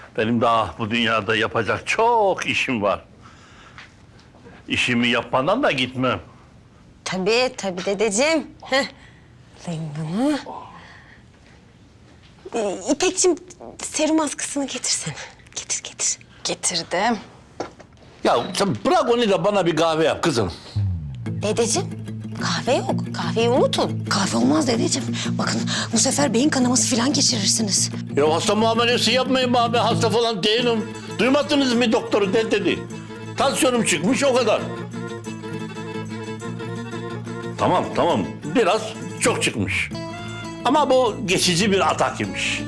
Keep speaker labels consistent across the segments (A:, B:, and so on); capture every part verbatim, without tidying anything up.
A: Benim daha bu dünyada yapacak çok işim var. İşimi yapmadan da gitmem.
B: Tabii, tabii dedeciğim. Heh. Alayım bunu. Ee, İpekciğim, serum askısını getirsene. Getir, getir.
C: Getirdim.
A: Ya sen bırak onu da bana bir kahve yap kızım.
B: Dedeciğim, kahve yok. Kahveyi unutun. Kahve olmaz dedeciğim. Bakın bu sefer beyin kanaması falan geçirirsiniz.
A: Ya hasta muamelesi yapmayın bana, ben hasta falan değilim. Duymadınız mı doktoru ne dedi? Tansiyonum çıkmış o kadar. Tamam tamam biraz çok çıkmış. Ama bu geçici bir atak imiş.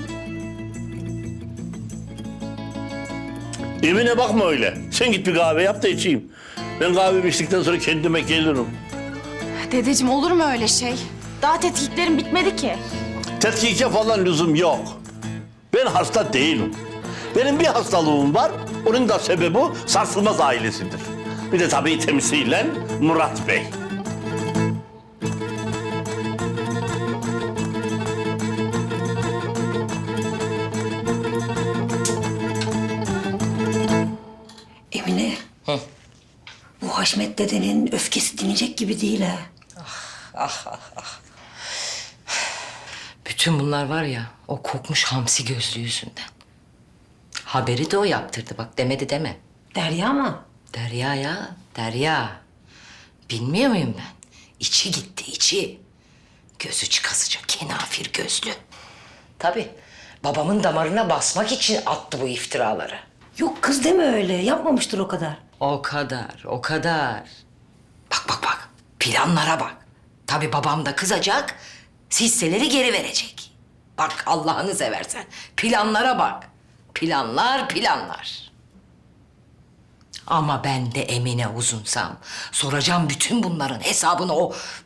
A: Emine bakma öyle. Sen git bir kahve yap da içeyim. Ben kahve içtikten sonra kendime gelirim.
C: Dedeciğim olur mu öyle şey? Daha tetkiklerim bitmedi ki.
A: Tetkike falan lüzum yok. Ben hasta değilim. Benim bir hastalığım var. Onun da sebebi sarsılmaz ailesidir. Bir de tabii temsilen Murat Bey.
D: Emine. Bu Haşmet dedenin öfkesi dinecek gibi değil ha.
E: Bütün bunlar var ya, o kokmuş hamsi gözlü yüzünden. Haberi de o yaptırdı, bak demedi deme.
D: Derya mı?
E: Derya ya, Derya. Bilmiyor muyum ben? İçi gitti, içi. Gözü çıkasıca kenafir gözlü. Tabii, babamın damarına basmak için attı bu iftiraları.
D: Yok kız deme öyle. Yapmamıştır o kadar.
E: O kadar, o kadar. Bak bak bak, planlara bak. Tabii babam da kızacak, hisseleri geri verecek. Bak Allah'ını seversen, planlara bak. Planlar, planlar. Ama ben de Emine Uzunsam, soracağım bütün bunların hesabını o